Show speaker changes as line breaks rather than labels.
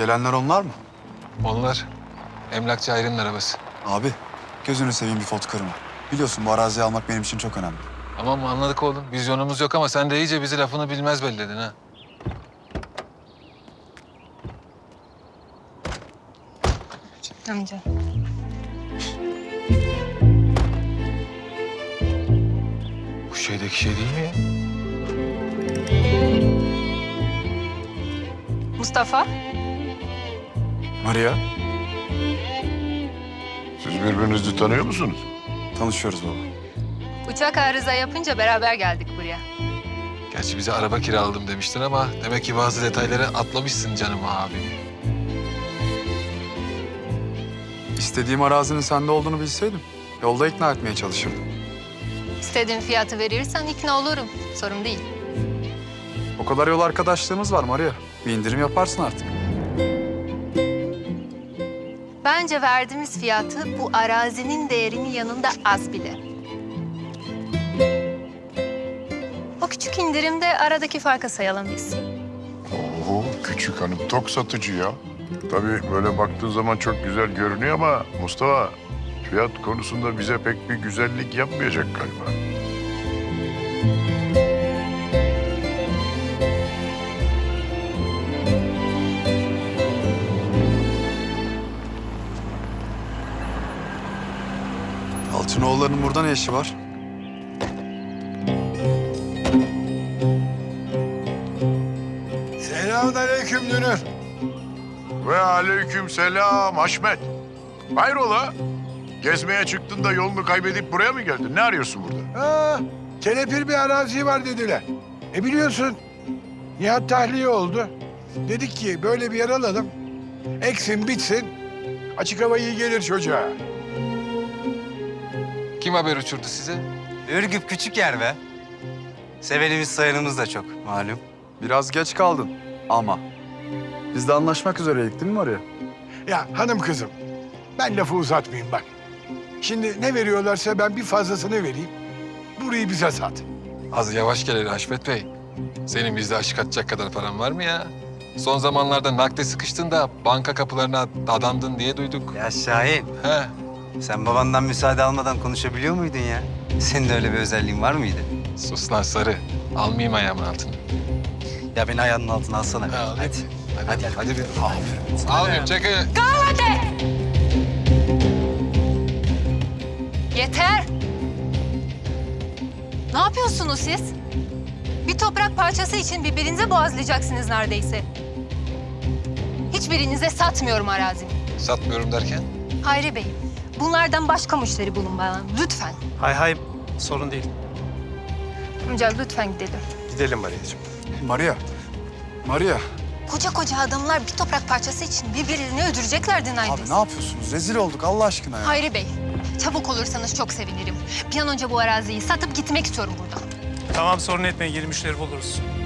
Gelenler onlar mı?
Onlar emlakçı Ayrı'nın arabası.
Abi gözünü seveyim bir pot kırma. Biliyorsun bu araziyi almak benim için çok önemli.
Tamam anladık oğlum. Vizyonumuz yok ama sen de iyice bizi lafını bilmez belledin ha.
Amca.
Bu şeydeki şey değil mi ya?
Mustafa.
Maria,
Siz birbirinizi tanıyor musunuz?
tanışıyoruz baba.
Uçak arıza yapınca beraber geldik buraya.
Gerçi bize araba kiraladım demiştin ama demek ki bazı detayları atlamışsın canım abi.
İstediğim arazinin sende olduğunu bilseydim yolda ikna etmeye çalışırdım.
İstediğin fiyatı verirsen ikna olurum. Sorun değil.
O kadar yol arkadaşlığımız var Maria. Bir indirim yaparsın artık.
Bence verdiğimiz fiyatı bu arazinin değerinin yanında az bile. O küçük indirimde aradaki farkı sayalım biz.
Oo, küçük hanım tok satıcı ya. Tabii böyle baktığın zaman çok güzel görünüyor ama Mustafa fiyat konusunda bize pek bir güzellik yapmayacak galiba.
Altınoğulları'nın burada ne işi var?
Selamünaleyküm Dünür. Ve aleyküm selam Haşmet. Hayrola? Gezmeye çıktın da yolunu kaybedip buraya mı geldin? Ne arıyorsun burada?
Ha, kelepir bir arazi var dediler. Biliyorsun Nihat tahliye oldu. Dedik ki böyle bir yer alalım. Eksin bitsin. Açık hava iyi gelir çocuğa.
Kim haber uçurdu size?
Ürgüp küçük yer be. Sevenimiz sayanımız da çok malum.
Biraz geç kaldın ama. Biz de anlaşmak üzereydik değil mi Maria?
Ya hanım kızım ben lafı uzatmayayım bak. Şimdi ne veriyorlarsa ben bir fazlasını vereyim. Burayı bize sat.
Az yavaş gel hele Haşmet Bey. Senin bizde aşık atacak kadar paran var mı ya? Son zamanlarda nakde sıkıştın da banka kapılarına dadandın diye duyduk.
Ya Şahin,
He.
sen babandan müsaade almadan konuşabiliyor muydun ya? Senin de öyle bir özelliğin var mıydı?
Sus lan sarı. Almayayım ayağımın altını.
Ya beni ayağının altına alsana.
Ha, alayım.
Hadi.
Hadi bir. Aferin. Almayayım çekil.
Yeter! Ne yapıyorsunuz siz? Bir toprak parçası için birbirinize boğazlayacaksınız neredeyse. Hiçbirinize satmıyorum arazimi.
Satmıyorum derken?
Hayri Bey, bunlardan başka müşteri bulun bana. Lütfen.
Hay hay, sorun değil.
Amca lütfen gidelim.
Gidelim Maria'cığım.
Maria, Maria.
Koca koca adamlar bir toprak parçası için birbirlerini öldüreceklerdi
Abi
neredeyse.
ne yapıyorsunuz? Rezil olduk Allah aşkına ya.
Hayri Bey, çabuk olursanız çok sevinirim. Bir an önce bu araziyi satıp gitmek istiyorum buradan.
Tamam, sorun etmeyin, yeni müşteri buluruz.